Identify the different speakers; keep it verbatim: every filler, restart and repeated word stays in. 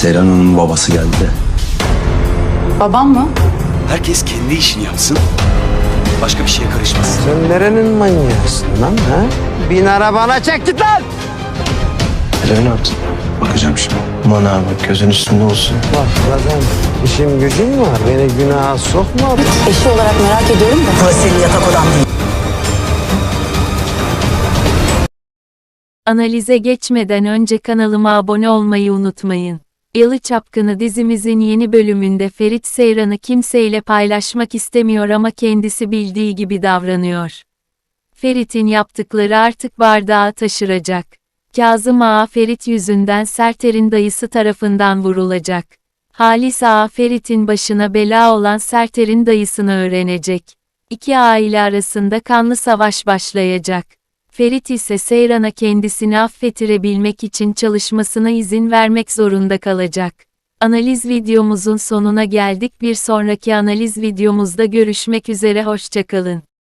Speaker 1: Seyran Hanım'ın babası geldi de.
Speaker 2: Babam mı?
Speaker 3: Herkes kendi işini yapsın. Başka bir şeye karışmasın.
Speaker 4: Sen nerenin manyağısın lan ha? Bin arabana çek git lan!
Speaker 1: Eve ne yaptın? Bakacağım şimdi.
Speaker 4: Aman abi gözün üstünde olsun. Bak zaten işim gücüm var. Beni günaha sokma.
Speaker 2: Eşi olarak merak ediyorum da.
Speaker 5: Burası senin yatak odan değil.
Speaker 6: Analize geçmeden önce kanalıma abone olmayı unutmayın. Yalı Çapkını dizimizin yeni bölümünde Ferit Seyran'ı kimseyle paylaşmak istemiyor ama kendisi bildiği gibi davranıyor. Ferit'in yaptıkları artık bardağı taşıracak. Kazım Ağa Ferit yüzünden Serter'in dayısı tarafından vurulacak. Halis Ağa Ferit'in başına bela olan Serter'in dayısını öğrenecek. İki aile arasında kanlı savaş başlayacak. Ferit ise Seyran'a kendisini affettirebilmek için çalışmasına izin vermek zorunda kalacak. Analiz videomuzun sonuna geldik. Bir sonraki analiz videomuzda görüşmek üzere, hoşça kalın.